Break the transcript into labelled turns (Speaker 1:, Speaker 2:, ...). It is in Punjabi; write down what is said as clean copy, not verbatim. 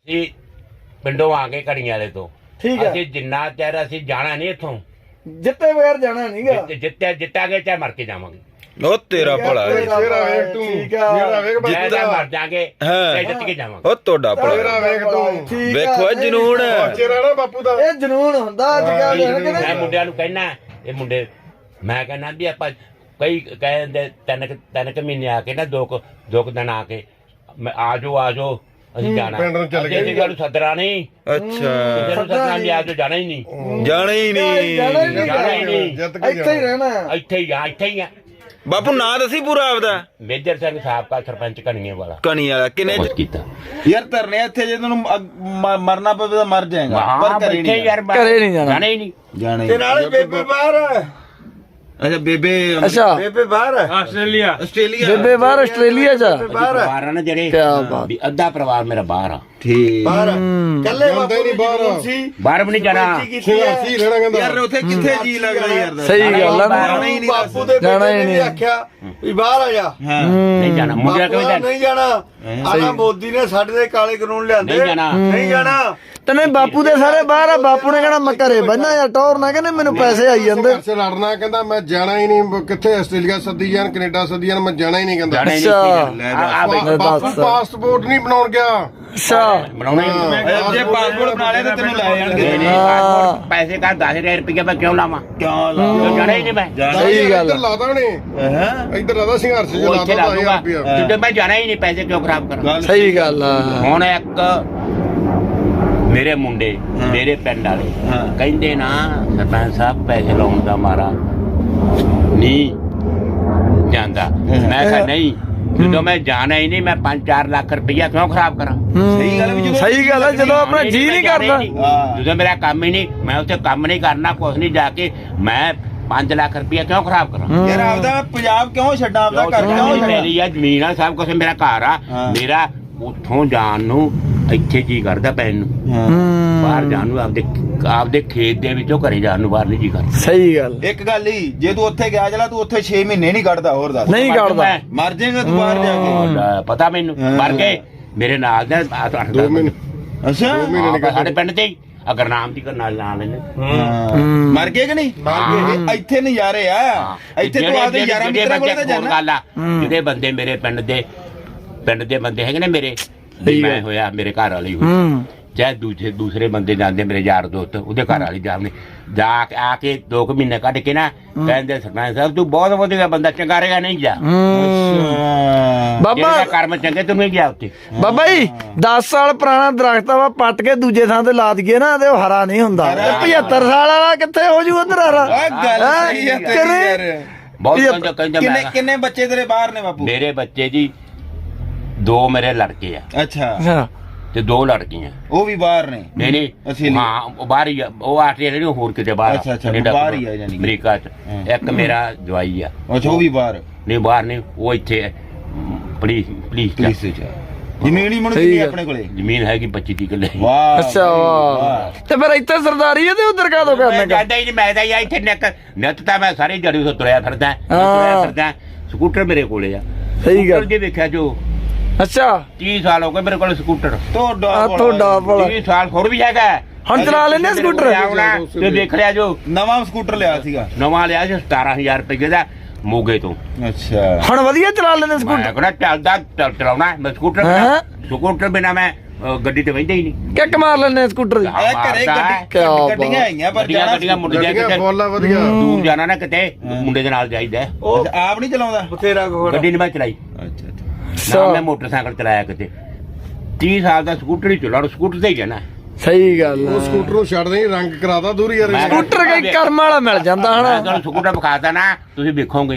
Speaker 1: ਅਸੀਂ ਪਿੰਡੋਂ ਆ ਕੇ ਘੜੀਆਂ ਵਾਲੇ ਤੋਂ
Speaker 2: ਠੀਕ ਹੈ।
Speaker 1: ਅਸੀਂ ਜਿੰਨਾ ਚਿਰ ਅਸੀਂ ਜਾਣਾ ਨਹੀਂ ਇੱਥੋਂ,
Speaker 2: ਜਿੱਤੇ ਬਗੈਰ ਜਾਣਾ ਨਹੀਂਗਾ।
Speaker 1: ਜਿੱਤਾਂਗੇ ਚਾਹੇ ਮਰ ਕੇ ਜਾਵਾਂਗੇ।
Speaker 3: ਉਹ ਤੇਰਾ ਭਲਾ ਏ।
Speaker 2: ਤੇਰਾ ਵੇਖ ਤੂੰ, ਤੇਰਾ ਵੇਖ
Speaker 1: ਜਿੱਤਾਂ ਮਰ ਜਾਗੇ
Speaker 3: ਹਾਂ।
Speaker 1: ਤੇ ਜਿੱਤ ਕੇ ਜਾਵਾਂਗੇ।
Speaker 3: ਉਹ ਤੁਹਾਡਾ ਭਲਾ
Speaker 2: ਤੇਰਾ ਵੇਖ ਤੂੰ। ਠੀਕ
Speaker 3: ਵੇਖੋ ਇਹ ਜਨੂਨ
Speaker 2: ਚਿਹਰਾ ਨਾ ਬਾਪੂ ਦਾ, ਇਹ ਜਨੂਨ ਹੁੰਦਾ ਅੱਜ ਕੱਲ।
Speaker 1: ਮੈਂ ਮੁੰਡਿਆਂ ਨੂੰ ਕਹਿਣਾ, ਇਹ ਮੁੰਡੇ ਮੈਂ ਕਹਿਣਾ ਵੀ ਆਪਾਂ ਕਈ ਕਹਿੰਦੇ ਤਿੰਨ ਕੁ ਮਹੀਨੇ ਆ ਕੇ ਨਾ ਦੋ ਕੁ ਦਿਨ ਆ ਕੇ ਆ ਜਾਓ ਅਸੀਂ ਜਾਣਾ। ਅਸੀਂ ਗੱਲ ਸੱਦਣਾ ਨਹੀਂ।
Speaker 3: ਅੱਛਾ
Speaker 1: ਸੱਦਣਾ ਵੀ ਆ ਜਾਓ, ਜਾਣਾ ਹੀ ਨਹੀਂ।
Speaker 3: ਜਾਣਾ ਹੀ ਨਹੀਂ।
Speaker 2: ਇੱਥੇ ਹੀ ਰਹਿਣਾ,
Speaker 1: ਇੱਥੇ ਹੀ ਆ।
Speaker 3: ਬਾਪੂ ਨਾਂ ਦੱਸੀ ਪੂਰਾ ਆਪਦਾ।
Speaker 1: ਮੇਜਰ ਸਿੰਘ ਸਾਬਕਾ ਸਰਪੰਚ ਕਣੀਏ ਵਾਲਾ।
Speaker 3: ਕਣੀ ਵਾਲਾ ਕਿਨੇ
Speaker 1: ਕੀਤਾ
Speaker 3: ਯਾਰ ਧਰਨੇ ਇੱਥੇ ਜੇ ਤੈਨੂੰ ਮਰਨਾ ਪਵੇ ਤਾਂ ਮਰ ਜਾਏਗਾ, ਪਰ ਘਰੇ ਨਹੀਂ
Speaker 1: ਜਾਣਾ ਹੀ ਨਹੀਂ।
Speaker 3: ਜਾਣਾ
Speaker 2: ਤੇ ਨਾਲੇ ਬੇਬੇ ਬਾਹਰ।
Speaker 3: ਅੱਛਾ ਬੇਬੇ
Speaker 2: ਬੇਬੇ ਬਾਹਰ
Speaker 3: ਆਸਟ੍ਰੇਲੀਆ
Speaker 2: ਬੇਬੇ ਬਾਹਰ ਆਸਟ੍ਰੇਲੀਆ ਚ
Speaker 1: ਪਰਿਵਾਰ ਆ ਨਾ ਜਿਹੜੇ ਵੀ ਅੱਧਾ ਪਰਿਵਾਰ ਮੇਰਾ ਬਾਹਰ ਆ।
Speaker 3: ਠੀਕ
Speaker 2: ਬਾਹਰ ਕੱਲੇ ਬਾਪੂ ਨਹੀਂ ਬਾਹਰ ਸੀ,
Speaker 1: ਬਾਹਰ ਵੀ ਨਹੀਂ ਜਾਣਾ।
Speaker 3: ਯਾਰ ਉੱਥੇ ਕਿੱਥੇ ਜੀ ਲੱਗਦਾ ਯਾਰ।
Speaker 2: ਸਹੀ ਗੱਲ ਆ।
Speaker 3: ਬਾਪੂ
Speaker 2: ਦੇ ਜਾਣਾ ਹੀ ਨਹੀਂ ਆਖਿਆ ਵੀ ਬਾਹਰ ਆ ਜਾ।
Speaker 1: ਨਹੀਂ ਜਾਣਾ ਮੁੰਡਿਆਂ ਕਿਵੇਂ
Speaker 2: ਨਹੀਂ ਜਾਣਾ। ਆਹ ਮੋਦੀ ਨੇ ਸਾਡੇ ਦੇ ਕਾਲੇ ਕਾਨੂੰਨ ਲਿਆਂਦੇ, ਨਹੀਂ ਜਾਣਾ। ਤਨੇ ਬਾਪੂ ਦੇ ਸਾਰੇ ਬਾਹਰ ਆ। ਬਾਪੂ ਨੇ ਕਹਿਣਾ ਮੈਂ ਘਰੇ ਬੰਨਾ ਯਾਰ ਟੌਰ ਨਾ, ਕਹਿੰਦੇ ਮੈਨੂੰ ਪੈਸੇ ਆਈ ਜਾਂਦੇ।
Speaker 4: ਲੜਨਾ ਕਹਿੰਦਾ ਮੈਂ ਜਾਣਾ ਹੀ ਨਹੀਂ, ਕਿੱਥੇ ਆਸਟ੍ਰੇਲੀਆ ਸੱਦੀ ਜਾਣ ਕੈਨੇਡਾ ਸੱਦੀ ਜਾਣ, ਮੈਂ ਜਾਣਾ ਹੀ ਨਹੀਂ ਕਹਿੰਦਾ।
Speaker 2: ਅੱਛਾ
Speaker 4: ਪਾਸਪੋਰਟ ਨਹੀਂ ਬਣਾਉਣ ਗਿਆ।
Speaker 2: ਅੱਛਾ
Speaker 1: ਬਣਾਉਣਾ
Speaker 3: ਜੇ ਪਾਸਪੋਰਟ ਬਣਾ ਲਿਆ ਤਾਂ ਤੈਨੂੰ ਲੈ ਜਾਣਗੇ।
Speaker 1: ਪੈਸੇ ਕਾ 10,000 ਰੁਪਏ ਮੈਂ ਕਿਉਂ ਲਾਵਾਂ? ਜਾਣਾ ਹੀ ਨਹੀਂ ਮੈਂ।
Speaker 2: ਸਹੀ ਗੱਲ
Speaker 4: ਇੱਧਰ ਲਾਦਾ ਨੇ, ਇੱਧਰ ਲਾਦਾ ਸੰਘਰਸ਼ ਚ ਲਾਦਾ 10,000 ਰੁਪਇਆ।
Speaker 1: ਜਿੱਦੇ ਮੈਂ ਜਾਣਾ ਹੀ ਨਹੀਂ, ਪੈਸੇ ਕਿਉਂ ਖਰਾਬ ਕਰਾਂ?
Speaker 2: ਸਹੀ ਗੱਲ ਆ।
Speaker 1: ਹੁਣ ਇੱਕ ਮੇਰੇ ਮੁੰਡੇ ਮੇਰੇ ਪਿੰਡ ਵਾਲੇ ਕਹਿੰਦੇ ਨਾ ਸਰਪੰਚ ਸਾਹਿਬ ਪੈਸੇ ਲਾਉਣ ਦਾ ਮਾਰਾ ਨਹੀਂ ਜਾਂਦਾ। ਮੈਂ ਕਿਹਾ ਨਹੀਂ, ਜਦੋਂ ਮੈਂ ਜਾਣਾ ਹੀ ਨਹੀਂ, ਮੈਂ 5-4 ਲੱਖ ਰੁਪਇਆ ਕਿਉਂ ਖਰਾਬ ਕਰਾਂ?
Speaker 3: ਸਹੀ ਗੱਲ ਵੀ
Speaker 2: ਸਹੀ ਗੱਲ ਆ। ਜਦੋਂ ਆਪਣਾ ਜੀ ਨਹੀਂ ਕਰਦਾ,
Speaker 1: ਜਦੋਂ ਮੇਰਾ ਕੰਮ ਹੀ ਨਹੀਂ, ਮੈਂ ਉੱਥੇ ਕੰਮ ਨਹੀਂ ਕਰਨਾ, ਕੁਛ ਨਹੀਂ, ਜਾ ਕੇ ਮੈਂ 5 ਲੱਖ ਰੁਪਇਆ ਕਿਉਂ ਖਰਾਬ ਕਰਾਂ?
Speaker 3: ਯਾਰ ਆਪਦਾ ਪੰਜਾਬ ਕਿਉਂ ਛੱਡਾਂ, ਆਪਦਾ ਘਰ ਕਿਉਂ ਛੱਡਾਂ?
Speaker 1: ਮੇਰੀ ਆ ਜ਼ਮੀਨ ਆ, ਸਭ ਕੁਛ ਮੇਰਾ ਘਰ ਆ। ਮੇਰਾ ਉੱਥੋਂ ਜਾਣ ਨੂੰ ਇੱਥੇ ਜੀ ਕਰਦਾ ਪੈਣ ਨੂੰ, ਬਾਹਰ ਜਾਣ ਨੂੰ ਆਪਦੇ ਖੇਤ ਦੇ ਵਿੱਚੋਂ ਘਰੇ ਜਾਣ ਨੂੰ ਬਾਹਰ ਨਹੀਂ ਜੀ ਕਰਦਾ।
Speaker 2: ਸਹੀ ਗੱਲ।
Speaker 3: ਇੱਕ ਗੱਲ ਹੀ, ਜੇ ਤੂੰ ਉੱਥੇ ਗਿਆ ਜਲਾ ਤੂੰ ਉੱਥੇ 6 ਮਹੀਨੇ ਨਹੀਂ ਕੱਢਦਾ। ਹੋਰ ਦੱਸ
Speaker 2: ਨਹੀਂ ਕੱਢਦਾ,
Speaker 3: ਮਰ ਜਾਏਗਾ ਤੂੰ ਬਾਹਰ ਜਾ ਕੇ।
Speaker 1: ਪਤਾ ਮੈਨੂੰ ਮਰ ਕੇ ਮੇਰੇ ਨਾਲ ਦੇ
Speaker 4: 2 ਮਹੀਨੇ
Speaker 3: ਅੱਛਾ
Speaker 1: ਸਾਡੇ ਪਿੰਡ ਤੇ ਅਗਰ ਨਾਮ ਦੀ ਨਾਲ ਲੈਣੇ
Speaker 3: ਮਰ ਗਏ ਕਿ ਨਹੀਂ? ਇੱਥੇ ਨਜ਼ਾਰੇ ਆ। ਇੱਥੇ ਤੂੰ ਆਪਦੇ ਯਾਰਾਂ ਮਿੱਤਰਾਂ ਕੋਲ ਤਾਂ ਜਾਣਾ।
Speaker 1: ਜਿਹੜੇ ਬੰਦੇ ਮੇਰੇ ਪਿੰਡ ਦੇ ਬੰਦੇ ਹੈਗੇ ਨੇ ਮੇਰੇ, ਮੈਂ ਹੋਇਆ ਮੇਰੇ ਘਰ ਵਾਲੀ ਹੋਈ, ਚਾਹੇ ਦੂਸਰੇ ਬੰਦੇ ਜਾਂਦੇ ਮੇਰੇ ਯਾਰ ਦੋਸਤ, ਉਹਦੇ ਘਰ ਵਾਲੀ ਜਾਂਦੇ ਜਾ ਕੇ ਆ ਕੇ 2 ਮਹੀਨੇ ਕੱਢ ਕੇ ਨਾ ਕਹਿੰਦੇ ਸਰਪੰਚ ਸਾਹਿਬ ਤੂੰ ਬਹੁਤ ਵਧੀਆ ਬੰਦਾ, ਚੰਗਾ ਰਹੇਗਾ, ਨਹੀਂ ਜਾ
Speaker 2: ਬਾਬਾ।
Speaker 1: ਕਰਮ ਚੰਗੇ ਤੂੰ ਨਹੀਂ ਗਿਆ ਉੱਥੇ।
Speaker 2: ਬਾਬਾ ਜੀ 10 ਸਾਲ ਪੁਰਾਣਾ ਦਰਖਤ ਵਾ ਪੱਟ ਕੇ ਦੂਜੇ ਥਾਂ ਤੇ ਲਾ ਦਈਏ ਨਾ ਤੇ ਉਹ ਹਰਾ ਨਹੀਂ ਹੁੰਦਾ। 75 ਸਾਲ ਵਾਲਾ ਕਿੱਥੇ ਹੋ ਜੂ ਉਧਰ ਹਰਾ?
Speaker 3: ਗੱਲ ਸਹੀ ਹੈ ਤੇਰੀ ਯਾਰ।
Speaker 1: ਬਹੁਤ ਕਹਿੰਦਾ
Speaker 3: ਕਿੰਨੇ ਬੱਚੇ ਤੇਰੇ ਬਾਹਰ ਨੇ ਬਾਪੂ?
Speaker 1: ਮੇਰੇ ਬੱਚੇ ਜੀ 2 ਮੇਰੇ ਲੜਕੇ ਆ
Speaker 3: ਅੱਛਾ
Speaker 1: ਤੇ 2 ਲੜਕੀਆਂ।
Speaker 3: ਉਹ ਵੀ ਬਾਹਰ ਨੇ?
Speaker 1: ਨਹੀਂ ਹਾਂ ਉਹ ਬਾਹਰ ਹੀ ਆ। ਉਹ ਆਸਟ੍ਰੇਲੀਆ ਨਹੀਂ, ਹੋਰ ਕਿਤੇ ਬਾਹਰ।
Speaker 3: ਅੱਛਾ ਬਾਹਰ ਹੀ ਆ ਜਾਨੀ
Speaker 1: ਅਮਰੀਕਾ ਚ। ਇੱਕ ਮੇਰਾ ਜਵਾਈ ਆ।
Speaker 3: ਅੱਛਾ ਉਹ ਵੀ ਬਾਹਰ?
Speaker 1: ਨਹੀਂ ਬਾਹਰ ਨਹੀਂ, ਉਹ ਇੱਥੇ ਪੁਲਿਸ ਚ।
Speaker 3: ਜ਼ਮੀਨ ਹੀ ਮਣ ਕਿੰਨੀ ਆਪਣੇ ਕੋਲੇ?
Speaker 1: ਜ਼ਮੀਨ ਹੈਗੀ 25 ਕਿੱਲੇ।
Speaker 3: ਵਾਹ
Speaker 2: ਅੱਛਾ ਵਾਹ। ਤੇ ਫਿਰ ਇੱਥੇ ਸਰਦਾਰੀ ਹੈ ਤੇ ਉਧਰ ਕਾ ਦੋ ਕਰਨੇ?
Speaker 1: ਜਾਂਦਾ ਹੀ ਨਹੀਂ ਮੈਂ ਤਾਂ ਇੱਥੇ ਨਿੱਤ ਤਾਂ ਮੈਂ ਸਾਰੀ ਜੜੀ ਤੋਂ ਤੁਰਿਆ ਫਿਰਦਾ। ਸਕੂਟਰ ਮੇਰੇ ਕੋਲੇ ਆ।
Speaker 2: ਸਹੀ ਗੱਲ
Speaker 1: ਜੇ ਵੇਖਿਆ ਜੋ
Speaker 2: ਅੱਛਾ
Speaker 1: 30 ਸਾਲ ਹੋ ਗਏ ਮੇਰੇ ਕੋਲ ਸਕੂਟਰ।
Speaker 2: ਤੁਹਾਡਾ
Speaker 1: 30 ਸਾਲ ਹੋਰ ਵੀ ਹੈਗਾ।
Speaker 2: ਹੁਣ ਚਲਾ ਲੈਂਦੇ ਸਕੂਟਰ
Speaker 1: ਤੇ ਦੇਖ ਲਿਆ ਜੋ
Speaker 3: ਨਵਾਂ ਸਕੂਟਰ ਲਿਆ ਸੀਗਾ।
Speaker 1: ਨਵਾਂ ਲਿਆ ਸੀ 17,000 ਰੁਪਏ ਦਾ ਮੋਗੇ ਤੋਂ।
Speaker 3: ਅੱਛਾ
Speaker 2: ਹੁਣ ਵਧੀਆ ਚਲਾ ਲੈਂਦੇ ਸਕੂਟਰ?
Speaker 1: ਮੈਂ ਕਹਿੰਦਾ ਚਲਾਉਣਾ ਮੈਂ ਸਕੂਟਰ ਬਿਨਾ ਮੈਂ ਗੱਡੀ ਤੇ ਬੈਠਦਾ ਹੀ ਨਹੀਂ।
Speaker 2: ਕਿੱਕ ਮਾਰ ਲੈਂਦੇ ਸਕੂਟਰ ਦੀ?
Speaker 3: ਘਰੇ ਗੱਡੀਆਂ ਆਈਆਂ ਪਰ
Speaker 1: ਗੱਡੀਆਂ ਮੁੰਡੇ ਦੂਰ ਜਾਣਾ ਨਾ ਕਿਤੇ, ਮੁੰਡੇ ਦੇ ਨਾਲ ਜਾਈਦਾ।
Speaker 3: ਆਪ ਨਹੀਂ ਚਲਾਉਂਦਾ?
Speaker 2: ਬਥੇਰਾ
Speaker 1: ਗੱਡੀ ਨਹੀਂ ਮੈਂ ਚਲਾਈ। ਅੱਛਾ ਮੈਂ ਮੋਟਰਸਾਈਕਲ ਚਲਾਇਆ ਕਿਤੇ। 30 ਸਾਲ ਦਾ ਸਕੂਟਰ ਹੀ ਚਲਾ, ਸਕੂਟਰ ਤੇ ਹੀ ਜਾਣਾ।
Speaker 4: ਸਹੀ ਗੱਲ। ਉਹ ਸਕੂਟਰ ਨੂੰ ਛੱਡ ਨਹੀਂ, ਰੰਗ ਕਰਾਦਾ ਦੂਰੀ ਯਾਰ।
Speaker 2: ਸਕੂਟਰ ਕਈ ਕਰਮ ਵਾਲਾ ਮਿਲ ਜਾਂਦਾ ਹਨਾ।
Speaker 1: ਸਕੂਟਰ ਵਿਖਾਤਾ ਨਾ, ਤੁਸੀਂ ਵੇਖੋਗੇ।